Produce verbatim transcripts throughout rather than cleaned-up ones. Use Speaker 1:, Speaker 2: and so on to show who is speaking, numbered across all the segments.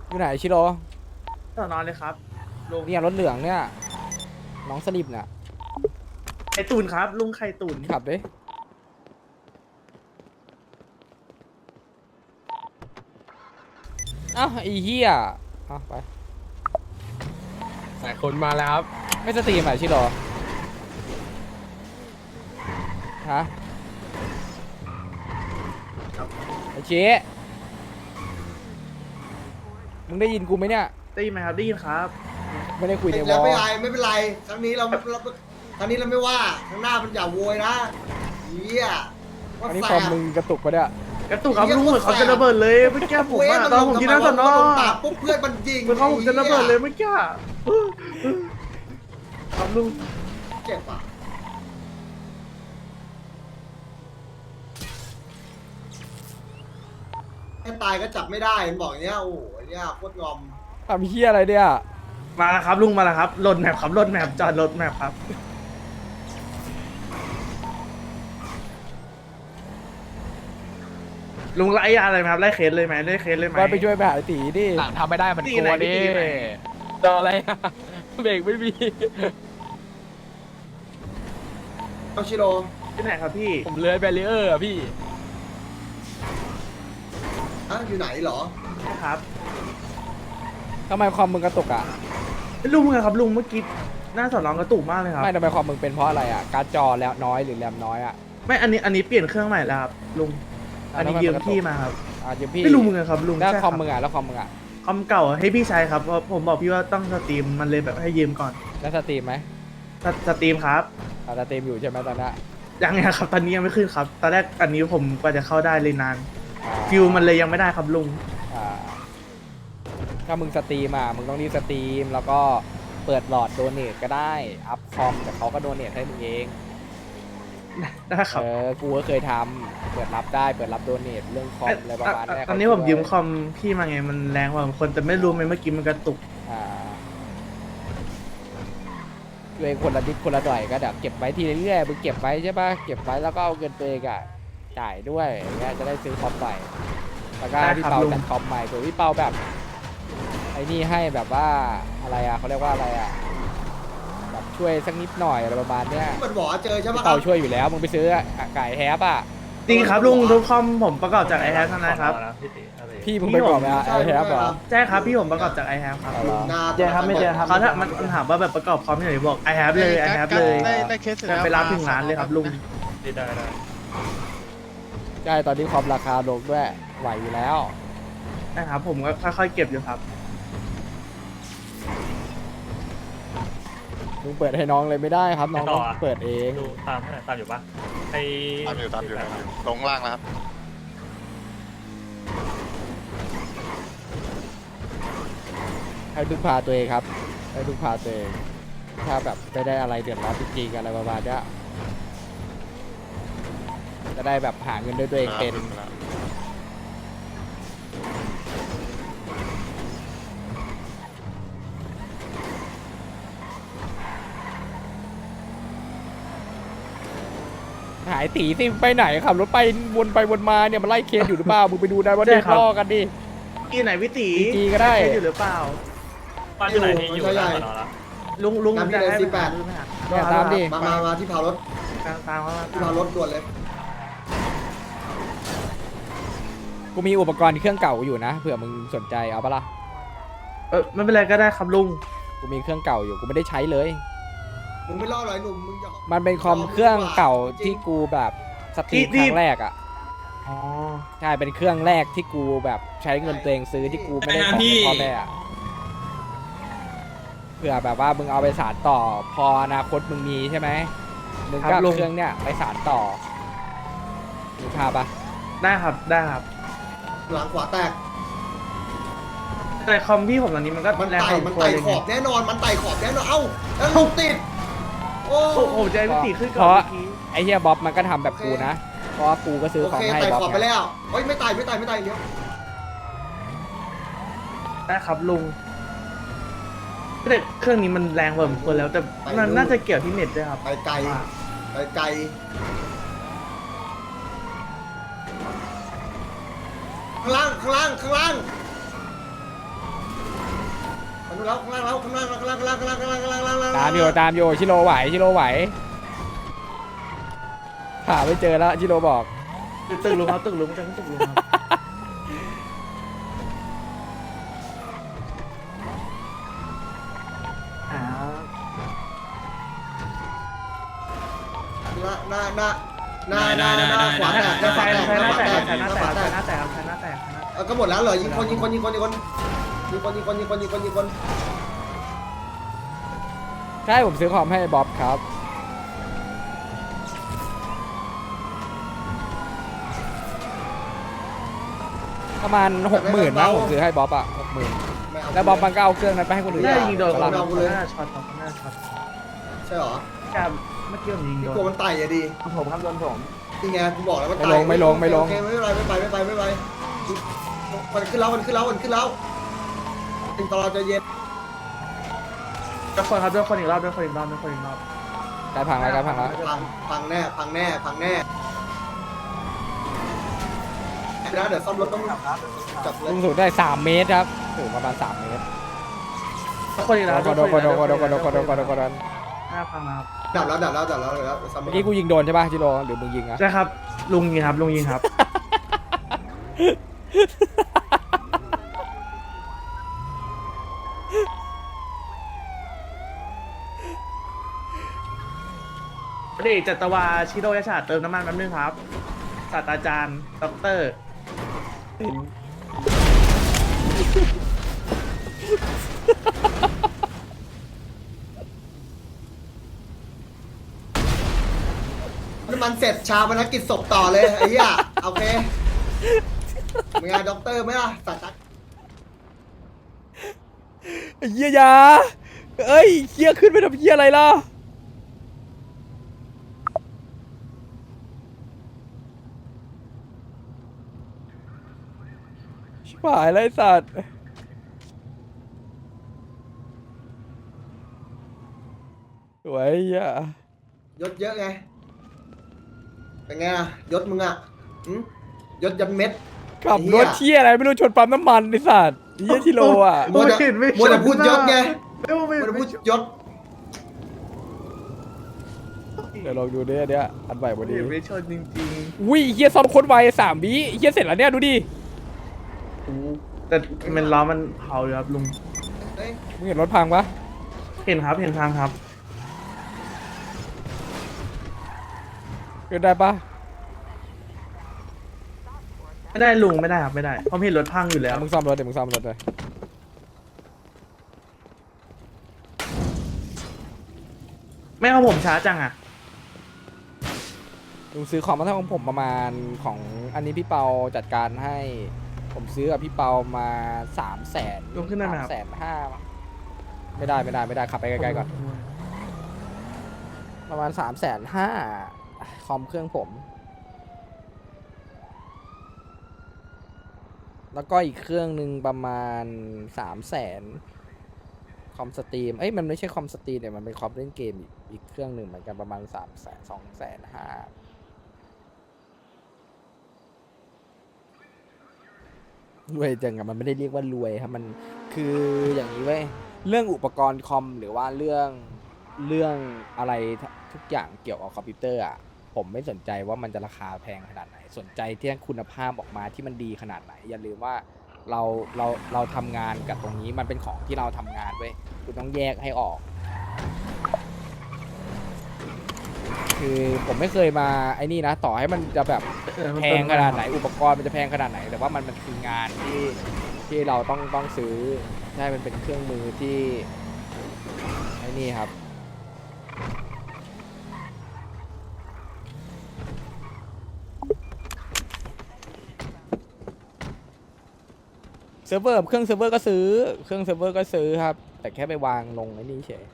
Speaker 1: อยู่ไหนชิโร่
Speaker 2: ต่อนอนเลยครับลุง
Speaker 1: เนี่ยรถเหลืองเนี่ยน้องสลิปเนี่ย
Speaker 2: ไข่ตุนครับลุงไข่ตุน
Speaker 1: ขับดิอ้าวไอ้เหี้ยอ้าวไป
Speaker 3: สายคนมาแล้วครับ
Speaker 1: ไม่สตรีมอ่ะชิโร่ฮะไอ้เจ๊มึงได้ยินกูไหมเนี่ย
Speaker 2: ได้ยินไหมครับได้ยินครับ
Speaker 1: ไม่ได้คุยในวอ
Speaker 4: แล้ว
Speaker 1: ล
Speaker 4: ไม่เป็นไรไม่เป็นไรครั้งนี้เราเราครั้งนี้เราไม่ว่าครั้งหน้ามันอย่าโวยนะเฮีย
Speaker 1: อันนี้คอมมึงกระตุกปะเนี่ย
Speaker 2: กระตุกครับลุงเหมือนเขาจะระเบิดเลยเมื่อกี้ผมอะตอนผมที่นั่งสอนอ
Speaker 4: ตาปุ๊บเพื่อนมันยิง
Speaker 2: เหมือนเขาผมจะระเบิดเลยเมื่อกี้ครับลุง
Speaker 4: เจ็บอ่ะให้ตายก็จับไม่ได้มันบอกอย่างเนี้ยโอ้โหเนี่ยโคตรงอม
Speaker 1: ทำเหี้ยอะไรเนี่ย
Speaker 2: มาแล้วครับลุงมาแล้วครับรถแมพครับรถแมพจอดรถแมพครับลุงไล่อะไรไหมครับไล่เคสเลยไหมไล่เคสเลยไหม
Speaker 1: ว่าไปช่วยไปหาไอ้ตีดิ
Speaker 3: หลังทำไม่ได้มัน
Speaker 2: ตี
Speaker 3: กลั
Speaker 2: ไหน
Speaker 3: วดิ
Speaker 2: ตีไหน
Speaker 3: รออะไรอะเบรกไม่มี
Speaker 4: เอาชิโร
Speaker 2: ที่ไหนครับพี่
Speaker 3: ผมเลื้อยแบรีเออร์อะพี่
Speaker 4: อ่ะอยู่ไหนเหรอ
Speaker 2: ใช่ครับ
Speaker 1: ทำไมคอมมึงกระตุกอ่ะ
Speaker 2: ลุงไงครับลุงเมื่อกี้หน้าสอนรองกระตุกมากเลยครับ
Speaker 1: ไม่ทำไมคอมมึงเป็นเพราะอะไรอ่ะการ์ดจอแล้วน้อยหรือแรมน้อยอ่ะ
Speaker 2: ไม่อันนี้อันนี้เปลี่ยนเครื่องใหม่แล้วครับลุงอันนี้ยืมพี่มาครับ
Speaker 1: อ่ะเดี๋ยวพี่
Speaker 2: ไม่รู้มึงอะครับลุง
Speaker 1: แล้ว
Speaker 2: ใช่
Speaker 1: ค
Speaker 2: ค
Speaker 1: อ
Speaker 2: รั
Speaker 1: ม
Speaker 2: บ
Speaker 1: มึงอ่ะแล้วคอมมึงอ่ะ
Speaker 2: คอมเก่าให้พี่ใช้ครับเพราะผมบอกพี่ว่าต้องสตรีมมันเลยแบบให้ยืมก่อน
Speaker 1: แล้วสตรีมไหม
Speaker 2: สสตรีมครับ
Speaker 1: อ่ะสตรีมอยู่ใช่ไหมตอนนี้
Speaker 2: ยังไงครับตอนนี้ยังไม่ขึ้นครับตอนแรกอันนี้ผมกว่าจะเข้าได้เลยนาน
Speaker 1: อ่า
Speaker 2: ฟิวมันเลยยังไม่ได้ครับลุง
Speaker 1: อ่าถ้ามึงสตรีมอ่ะมึงต้องรีบสตรีมแล้วก็เปิดหลอดโดเนทก็ได้อัพคอมแต่เขาก็โดเนทให้มึงเอง
Speaker 2: ได้ครับ
Speaker 1: เออกูก็เคยทำเปิดรับได้เปิดรับโดเนทเรื่องคอมอะไรประมาณเนี้ย
Speaker 2: ตอนนี้ผมยืมคอมพี่มาไงมันแรงกว่าคนแต่ไม่รู้ไหมเมื่อกี้มันกระตุก
Speaker 1: อ่าตัวเองคนละนิดคนละหน่อยก็เดี๋ยวเก็บไว้ทีเรื่อยๆมึงเก็บไว้ใช่ปะเก็บไว้แล้วก็เอาเงินตัวเองอ่ะจ่ายด้วยอย่างเงี้ยจะได้ซื้อคอมใหม่แล้วก็ให้พี่เปาจัดคอมใหม่เผื่อพี่เปาแบบไอ้นี่ให้แบบว่าอะไรอ่ะเขาเรียกว่าอะไรอ่ะแบบช่วยสักนิดหน่อยอะไรประมาณเนี้ย
Speaker 4: มันบอกว่าเจอใช่ปะ
Speaker 1: พี่
Speaker 4: ครั
Speaker 1: เปา
Speaker 4: บ
Speaker 1: ช่วยอยู่แล้วมึงไปซื้อไก่แฮปอ่ะ
Speaker 2: จริงครับลุงทุกคอมผมประกอบจากไอแฮปทั้งนั้นครับ
Speaker 1: พี่มึงไปบอกนะไอ้แฮปเหรอ
Speaker 2: ใช่ครับพี่ผมประกอบจากไอแฮปครับ
Speaker 1: เอาเหรอ
Speaker 4: หน้า
Speaker 2: เจอครับไม่เจอครับเขาถ้ามันมันถามว่าแบบประกอบคอมที่ไหนบอกไอแฮปเลยไอแฮปเลย
Speaker 5: ได้ได้เคสเสร็จ
Speaker 2: จะ
Speaker 5: แล้ว
Speaker 2: ไปรับถึงร้านเลยครับลุง
Speaker 3: ได้ได้
Speaker 1: ใช่ตอนนี้คอมราคาลงด้วยไหวอยู่แล้ว
Speaker 2: นะครับผมก็ค่อยๆเก็บอยู่ครับ
Speaker 1: มึงเปิดให้น้องเลยไม่ได้ครับน้องต้องเปิดเอง
Speaker 6: ดูตามให้หน่อยตามอยู่ปะไอ
Speaker 7: ตามอยู่ตามอยู่ตามอยู่ลงล่างแล้วครับ
Speaker 1: ให้พึ่งพาตัวเองครับให้พึ่งพาตัวเองถ้าแบบไม่ได้อะไรเดือดร้อนจริงๆอะไรประมาณเนี้ยจะได้แบบหาเงินด้วยตัวเองเป็น หายตีสิไปไหนขับรถไปวนไปวนมาเนี่ยมันไล่เคสอยู่หรือเปล่ามึงไปดูได้ว่า
Speaker 2: ใช่
Speaker 1: เด็ก
Speaker 2: ครับ
Speaker 1: ล่อกันดิ
Speaker 2: กี่ไหนวิตี
Speaker 1: อีจีก็ได้
Speaker 2: อยู่หรือเปล่า
Speaker 6: บ้านอยู่ไหนที่อยู่หน้าสอนอละ
Speaker 2: ลุงลุง
Speaker 4: น้ำพี่
Speaker 2: จะ
Speaker 4: เลย
Speaker 2: ให้
Speaker 4: สิบแปด
Speaker 1: เนี่ยตามดิ
Speaker 4: มามามาที่เผารถ
Speaker 2: ตามตามเขามา
Speaker 4: ที่เผารถด่วนเลย
Speaker 1: กูมีอุปกรณ์เครื่องเก่าอยู่นะเผื่อมึงสนใจเอาปะล่ะ
Speaker 2: เออไม่เป็นไรก็ได้ครับลุง
Speaker 1: กูมีเครื่องเก่าอยู่กูไม่ได้ใช้เลย
Speaker 4: มึงไม่รอดหรอไอ้หนุ่มมึงอย่า
Speaker 1: มันเป็นคอมเครื่องเก่าที่กูแบบสตรีมครั้งแรกอ่ะ
Speaker 2: อ๋อ
Speaker 1: ใช่เป็นเครื่องแรกที่กูแบบใช้เงินตัวเองซื้อที่กูไม่ได้ขอเงินพ่อแม่อะเผื่อแบบว่ามึงเอาไปสานต่อพออนาคตมึงมีใช่ไหมมึงก็เอาเครื่องเนี้ยไปสานต่อมึงพาปะ
Speaker 2: ได้ครับได้ครับ
Speaker 4: หลังขวาแตก
Speaker 2: แต่คอมพี่ผมตอนนี้มันก็
Speaker 4: มัน
Speaker 2: แรง
Speaker 4: ไต่
Speaker 2: พอ
Speaker 4: มัน
Speaker 2: ควร
Speaker 4: ไต่
Speaker 2: เลย
Speaker 4: ข
Speaker 2: ไง
Speaker 4: อบแน่นอนมันไต่ขอบแน่นอนเอ้าแล้วลูกติดโอ้
Speaker 2: โอ้โหใจวิตีขึ้น
Speaker 1: เพ
Speaker 2: ก่อน
Speaker 1: ราะ
Speaker 2: เมื่อกี้
Speaker 1: ไอ้เฮียบ๊อบมันก็ทำแบบกูนะเพราะว่ากูก็ซื้อ
Speaker 4: โอ
Speaker 1: ของ
Speaker 4: เค
Speaker 1: ให้
Speaker 4: ไต่
Speaker 1: บ๊อบ
Speaker 4: ขอบไป
Speaker 1: ไง
Speaker 4: แล้วเฮ้ยไม่ไต่ไม่ไต่ไม่ไต่เลี้ยว
Speaker 2: ได้ครับลุงแต่เครื่องนี้มันแรงกว่าผมควรแล้วแต่มันน่าจะเกี่ยวที่เน็ตด้วยครับ
Speaker 4: ไปไกลไปไกลข้างล่างข้างล่างข้างล่างแล้วข้างล่างแล้วข้างล่างข้างล่างข้างล่างข้างล่างข้างล่างข้างล่างข้างล่าง
Speaker 1: ตามอยู่ตามอยู่ชิโร่ไหวชิโร่ไหวหาไม่เจอแล้วชิโร่บอก
Speaker 2: ตึกลุงครับตึกลุงจะตึกลุงครับอ่า
Speaker 4: หน้าหน้าหน้าหน้าหน้าหน้าขวาแตกหน้าข
Speaker 2: ใช้
Speaker 4: วาแตก
Speaker 2: ใช้
Speaker 4: ห
Speaker 2: ห
Speaker 4: น้า
Speaker 2: น้า
Speaker 4: ขวา
Speaker 2: แต
Speaker 4: แต
Speaker 2: ก
Speaker 4: กหน้าขวาแตก
Speaker 2: ใช้หน้าแตกใช้หน้าแตกใช้หน้าแตก
Speaker 4: เออก็หมดแล้วเหรอยิงคนยิงคนยิงคนยิงคนยิงคนยิงคนยิงคนยิงคนยิงคน
Speaker 1: ใช่ผมซื้อคอมให้บ๊อบครับประมาณหกหมื่นนะผมซื้อให้บ๊อบอ่ะหกหมื่น
Speaker 4: ไม่เอา
Speaker 1: แล้วบ๊อบมันก็เอาเครื่องนั้นไปให้คนอื่น
Speaker 2: น่า
Speaker 1: อ่ะ
Speaker 2: ยิงโดน
Speaker 1: ส
Speaker 2: คน
Speaker 1: ลับ
Speaker 2: เราคนหน้าช็อตของคนหน้าช็อต
Speaker 4: ใช่เหรอ
Speaker 2: กับเมื่อกี้ผมยิง
Speaker 4: พี่
Speaker 2: โด
Speaker 4: กลัวน มันไต่อะดี
Speaker 2: ผมครับโดนผม
Speaker 4: นี่ไงกูบอกแล้วมัน
Speaker 1: ไม่
Speaker 4: ไต่
Speaker 1: ลงไม่ลงไม่ลง
Speaker 4: โอเคไม่เป็นไรไม่ไปไม่ไปไม่ไปมันขึ้นแล้วมันขึ้นแล้วมันขึ้นแล้วถึงตอนเราจะเย็น
Speaker 2: ด้วยคนครับด้วยคนอีกรอบด้วยคนอีกรอบด้วยคนอีกรอบ
Speaker 1: ใกล้พังแล้วใกล้พังแล้ว
Speaker 4: พังพังแน่พังแน่พังแน่นะเดี๋ยวซ่อมรถต้องจับเล
Speaker 1: ลุ
Speaker 4: ย
Speaker 1: งสูงได้สามเมตรครับสูงประมาณสามเมตร
Speaker 2: ด้วยคนอีกแล้ว
Speaker 1: กดกดกดกดกดกดกดกด
Speaker 2: หน้าพังครับ
Speaker 4: ดับแล้วดับแล้วดับแล้วดับแล้วซ่อมร
Speaker 1: เมื่
Speaker 4: ถ
Speaker 1: อกี้กูยิงโดนใช่ป่ะจิโร่หรือมึงยิงอะ
Speaker 2: ใช่ครับลุงยิงครับลุงยิงครับ พอดีจัตวาชิโร่ยชาติเติมน้ำมันแป๊บนึงครับศาสตราจารย์ด็อกเตอร์
Speaker 4: น้ำมันเสร็จชาพนักกิจศพต่อเลยไอ้เหี้ยโอเคมึงไงด็อกเตอร์ไหมล่ะสัตว์
Speaker 1: เฮียยาเอ้ยเฮียขึ้นไปทำเฮียอะไรล่ะชิบหายเลยสัตว์สวยอ่ะ
Speaker 4: ยศเยอะไงเป็นไงอะยศมึงอ่ะหืมยศยันเม็ด
Speaker 1: ขับรถเที่ยอะไรไม่รู้ชนปั๊มน้ำมันไอ้สัตว์เฮียชิโร่อ่ะ
Speaker 4: มัวแต่มัวแต่พูดยศไง
Speaker 2: ไม่ว่าไม่
Speaker 4: มัวแต่พูดยศ
Speaker 1: เดี๋ยวลองดูดิอันเนี้ยอันใหม่วันนี้
Speaker 2: ไม่ชนจริง
Speaker 1: อุ้ยเฮียซ้อมโคนไวสามวิเฮียเสร็จแล้วเนี่ยดูดิ
Speaker 2: ๆโอ้แต่มันล้อมันเผาอยู่ครับลุง
Speaker 4: เอ้ย
Speaker 1: มึงเห็นรถพังปะ
Speaker 2: เห็นครับเห็นทางครับ
Speaker 1: เกินได้ปะ
Speaker 2: ไม่ได้ลุงไม่ได้ครับไม่ได้เพราะเห็นรถพังอยู่แล้ว
Speaker 1: มึงซ่อมรถเดี๋ยวมึงซ่อมรถเลย
Speaker 2: ไม่เอาผมช้าจังอ่ะ
Speaker 1: ลุงซื้อของมาเท่าของผมประมาณของอันนี้พี่เปาจัดการให้ ผมซื้อกับพี่เปามาสามแสน
Speaker 2: ลุงขึ้นได้ไหมครับ
Speaker 1: สามแสนห้าไม่ได้ไม่ได้ไม่ได้ขับไปไกลๆก่อน ประมาณสามแสนห้าคอมเครื่องผม แล้วก็อีกเครื่องหนึ่งประมาณสามแสนคอมสตรีมเอ้ยมันไม่ใช่คอมสตรีมเนี่ยมันเป็นคอมเล่นเกมอีกอีกเครื่องหนึ่งเหมือนกันประมาณสามแสนสองแสนห้ารวยจังอะมันไม่ได้เรียกว่ารวยครับมันคืออย่างนี้เว้ยเรื่องอุปกรณ์คอมหรือว่าเรื่องเรื่องอะไรทุกอย่างเกี่ยวกับคอมพิวเตอร์อะผมไม่สนใจว่ามันจะราคาแพงขนาดไหนสนใจที่คุณภาพออกมาที่มันดีขนาดไหนอย่าลืมว่าเราเราเราทำงานกับตรงนี้มันเป็นของที่เราทำงานเว้ยคุณต้องแยกให้ออก คือผมไม่เคยมาไอ้นี่นะต่อให้มันจะแบบ
Speaker 2: เออมัน
Speaker 1: แพ
Speaker 2: เป็
Speaker 1: งขนาดไหนอุปกรณ์มันจะแพงขนาดไหน แต่ว่ามันมันคืองานที่ที่เราต้องต้องซื้อใช่มันเป็นเครื่องมือที่ไอ้นี่ครับเซิร์ฟเวอร์เครื่องเซิร์ฟเวอร์ก็ซื้อเครื่องเซิร์ฟเวอร์ก็ซื้อครับแต่แค่ไปวางลงไอ้นี่เฉย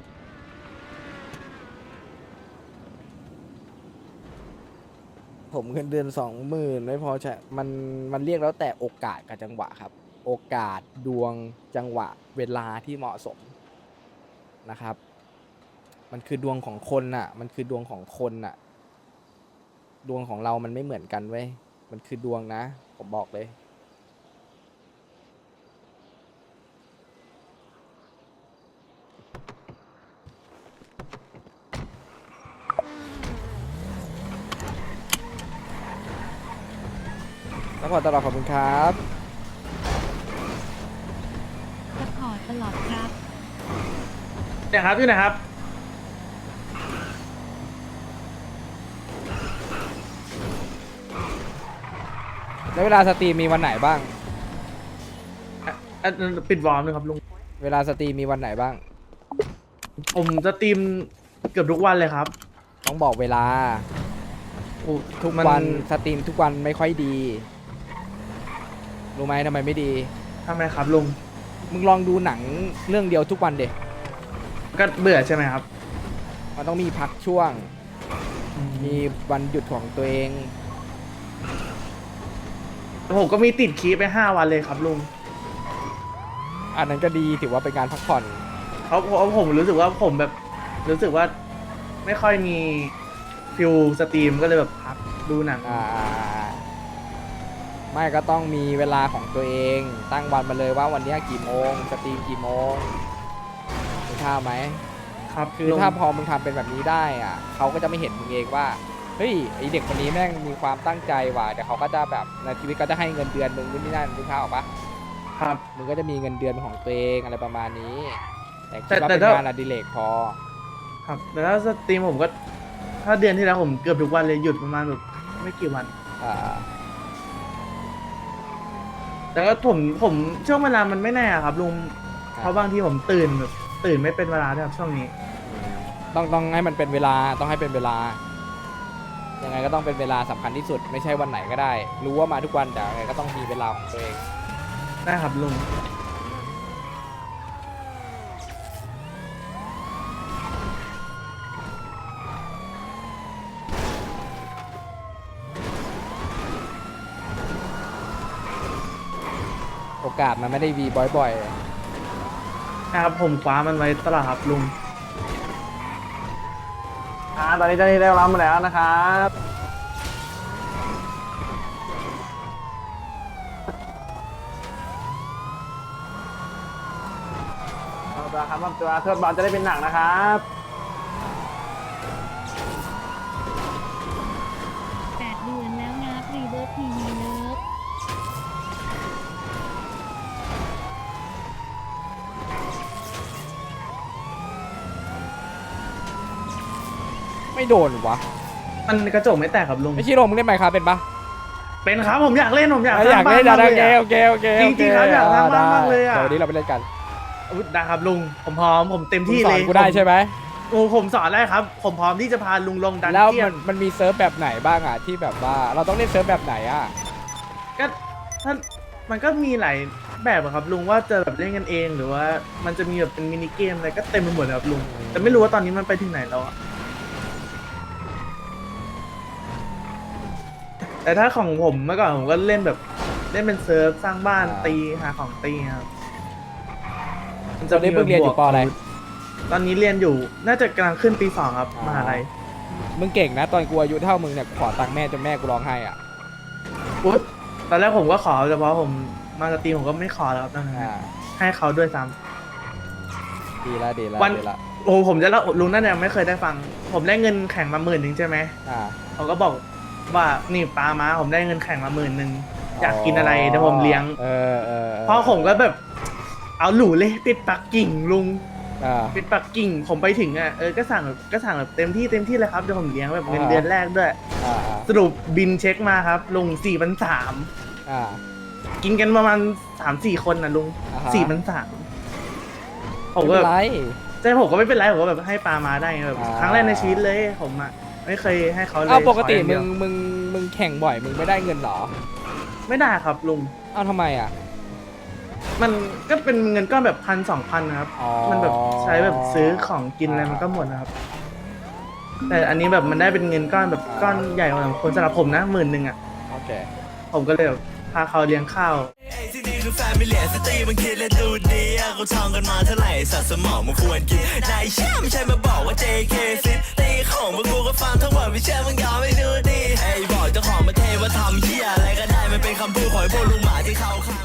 Speaker 1: ผมเงินเดือนสองหมื่นไม่พอใช่มันมันเรียกแล้วแต่โอกาสกับจังหวะครับ โอกาสดวงจังหวะเวลาที่เหมาะสมนะครับ มันคือดวงของคนน่ะ มันคือดวงของคนน่ะ ดวงของเรามันไม่เหมือนกันเว้ยมันคือดวงนะ ผมบอกเลยขอตลอดขอบคุณครับ
Speaker 5: สปอร์ตตลอดครับ
Speaker 2: เนี่ยครับอยู่ไหนครับ
Speaker 1: แล้วเวลาสตรีมมีวันไหนบ้าง
Speaker 2: อ่ะอ่ะปิดวอร์มเลยครับลุง
Speaker 1: เวลาสตรีมมีวันไหนบ้าง
Speaker 2: ผมจะตรีมเกือบทุกวันเลยครับ
Speaker 1: ต้องบอกเวลา
Speaker 2: โอ้
Speaker 1: ทุก
Speaker 2: มัน
Speaker 1: วันสตรีมทุกวันไม่ค่อยดี รู้ไหมทำไมไม่ดี
Speaker 2: ทำไมครับลุง
Speaker 1: มึงลองดูหนังเรื่องเดียวทุกวันเด็
Speaker 2: ก็เบื่อใช่ไหมครับ
Speaker 1: มันต้องมีพักช่วง มีวันหยุดของตัวเอง
Speaker 2: ผมก็มีติดคีย์ไปห้าวันเลยครับลุง
Speaker 1: อันนั้นก็ดีถือว่าเป็นการพักผ่อน
Speaker 2: เพราะเพราะผมรู้สึกว่าผมแบบรู้สึกว่าไม่ค่อยมีฟิลสตรีมก็เลยแบบพักดูหนัง
Speaker 1: อ่า ไม่ก็ต้องมีเวลาของตัวเอง ตั้งวันมาเลยว่าวันนี้กี่โมงสตรีมกี่โมงมึงท่าพไหม
Speaker 2: ครับ
Speaker 1: คือ
Speaker 2: ลุง
Speaker 1: ถ้าพอมึงทำเป็นแบบนี้ได้อ่ะเขาก็จะไม่เห็นมึงเองว่าเฮ้ยไอเด็กคนนี้แม่งมีความตั้งใจว่ะแต่เขาก็จะแบบในชีวิตก็จะให้เงินเดือนมึงนู่นนี่นั่นมึงท่าออกปะ
Speaker 2: ครับ
Speaker 1: มึงก็จะมีเงินเดือนของตัวเองอะไรประมาณนี้ แต่คิ
Speaker 2: แต่
Speaker 1: ดว่า
Speaker 2: แต่
Speaker 1: เป็น
Speaker 2: ถ้า
Speaker 1: งานอดิเรกพอ
Speaker 2: ครับแต่ถ้าสตรีมผมก็ถ้าเดือนที่แล้วผมเกือบทุกวันเลยหยุดประมาณแบบไม่กี่วัน
Speaker 1: อ่า
Speaker 2: แต่ก็ผมผมช่วงเวลามันไม่แน่ครับลุงเพราะบางทีผมตื่นแบบตื่นไม่เป็นเวลาด้วยครับช่วงนี้
Speaker 1: ต้องต้องให้มันเป็นเวลาต้องให้เป็นเวลายังไงก็ต้องเป็นเวลาสำคัญที่สุดไม่ใช่วันไหนก็ได้ รู้ว่ามาทุกวันแต่ยังไงก็ต้องมีเวลาของตัวเอง
Speaker 2: ได้ครับลุง
Speaker 1: โอกาสมันไม่ได้วีบ่อย
Speaker 2: นะครับผมคว้ามันไว้ตลอดครับลุงอ่าตอนนี้เจ้าหน้าที่ได้รับมาแล้วนะครับเอาตัวครับเอาตัวเทิร์นบอลจะได้เป็นหนังนะครับ
Speaker 5: แปดเดือนแล้วนะรีเวิร์สทีวีเลิฟ
Speaker 1: ๆ ไม่โดนวะ
Speaker 2: มันกระจกไม่แตกครับลุง
Speaker 1: ไม่ชิโร่มึงเล่นไมค์ครับเป็นปะ
Speaker 2: เป็นครับผมอยากเล่นผมอยาก
Speaker 1: อยากเล่น
Speaker 2: สร้างบ้
Speaker 1: โอเค
Speaker 2: มาก
Speaker 1: โอเคโอเค
Speaker 2: จริงๆครับอยากสร้างบ้านมากเลยอะ
Speaker 1: เดี๋ยววันนี้เราไปเล่นกัน
Speaker 2: อุ๊ยได้ครับลุงผมพร้อมผมเต็ม
Speaker 1: มึง
Speaker 2: ที่
Speaker 1: สอ
Speaker 2: เล
Speaker 1: น
Speaker 2: ย
Speaker 1: กูได้ใช่ไหม
Speaker 2: โอ้ผมสอนได้ครับ ผมพร้อมที่จะพาลุงลงดัน
Speaker 1: แล้ว
Speaker 2: เจีย
Speaker 1: มัน นมันมีเซิร์ฟแบบไหนบ้างอ่ะที่แบบว่าเราต้องเล่นเซิร์ฟแบบไหนอ่ะ
Speaker 2: ก็ถ้ามันก็มีหลายแบบอะครับลุงว่าจะแบบเล่นกันเองหรือว่ามันจะมีแบบเป็นมินิเกมอะไรก็เต็มไปหมดเลยครับลุงแต่ไม่รู้ว่าตอนนี้มันไปถึงไหนแล้วอะแต่ถ้าของผมเมื่อก่อนผมก็เล่นแบบเล่นเป็นเซิร์ฟสร้างบ้าน
Speaker 1: อ่า
Speaker 2: ตีหาของตีครับมั
Speaker 1: ตอนนี้มึงเรียนอยู่ปออะไร
Speaker 2: ตอนนี้เรียนอยู่น่าจะกำลังขึ้นปีสองครับ
Speaker 1: อ๋อ
Speaker 2: มหาลัย
Speaker 1: มึงเก่งนะตอนกูอายุเท่ามึงเนี่ยขอตังค์แม่จนแม่กูร้องไห้อ่ะ
Speaker 2: อุ๊ยตอนแรกผมก็ขอแต่พอผมมาสตรีมผมก็ไม่ขอแล้วครับตอนนั้น
Speaker 1: อ่า
Speaker 2: ให้เขาด้วยซ้
Speaker 1: ดีละดีละ
Speaker 2: วัน
Speaker 1: ดีละ
Speaker 2: ำโอ้ผมจะเล่าลุงนั่นยังไม่เคยได้ฟัง ผมได้เงินแข่งมาหมื่นหนึ่งใช่ไหม
Speaker 1: อ่า
Speaker 2: เขาก็บอกว่านี่ปลามาผมได้เงินแข่งมาหมื่นหนึ่งอยากกินอะไรเดี๋ยวผมเลี้ยง
Speaker 1: เออเออ
Speaker 2: เพราะผมก็แบบ เอาหลูเลยปิดปักกิ่งลุง
Speaker 1: อ่า
Speaker 2: ปิดปักกิ่ง ผมไปถึงอ่ะเออก็สั่งแบบก็สั่งแบบเต็มที่เต็มที่เลยครับเดี๋ยวผมเลี้ยงแบบเงิน
Speaker 1: อ่า
Speaker 2: เดือนแรกด้วย
Speaker 1: อ่าอ่า
Speaker 2: สรุปบินเช็คมาครับลุงสี่พันสาม
Speaker 1: อ่า
Speaker 2: กินกันประมาณสามสี่คนนะลุง
Speaker 1: อ่าฮะ
Speaker 2: สี่พันสามผม
Speaker 1: ไม่
Speaker 2: ก็
Speaker 1: เป็นไร
Speaker 2: ใช่ผมก็ไม่เป็นไรผมก็แบบให้ปลามาได้ไงแบบ
Speaker 1: อ่า
Speaker 2: ครั้งแรกในชีวิตเลยผมอ่ะไม่เคยให้เขาเลย
Speaker 1: อ้าวปกติ
Speaker 2: ขออย่าง
Speaker 1: มึ
Speaker 2: เดียว
Speaker 1: งมึงมึงแข่งบ่อยมึงไม่ได้เงินเหรอ
Speaker 2: ไม่ได้ครับลุง
Speaker 1: อ้าวทำไมอ่ะ
Speaker 2: มันก็เป็นเงินก้อนแบบพันสองพันนะครับ
Speaker 1: อ๋อ
Speaker 2: มันแบบใช้แบบซื้อของกินอะไรมันก็หมดนะครับ แต่อันนี้แบบมันได้เป็นเงินก้อนแบบก้อนใหญ่กว่าคนสำหรับผมนะหมื่นหนึ่งอ่ะ
Speaker 1: โอเค
Speaker 2: ผมก็เลยแบบพาเขาเลี้ยงข้าว
Speaker 8: ที่นี่คือแฟมิเลียสตรีมันคิดและดูดีอะเขาทองกันมาเท่าไหร่สัตว์สมองมันควรกินนายเชื่อไม่ใช่มาบอกว่า เจ เค ซิตีของพวกกูก็ฟังทั้งหมดไม่เชื่อมึงยอมไม่ดูดีไอ้บอกเจ้าของประเทศว่าทำเหี้ยอะไรก็ได้มันเป็นคำพูดของไอ้พวกลุงหมาที่เขาขาย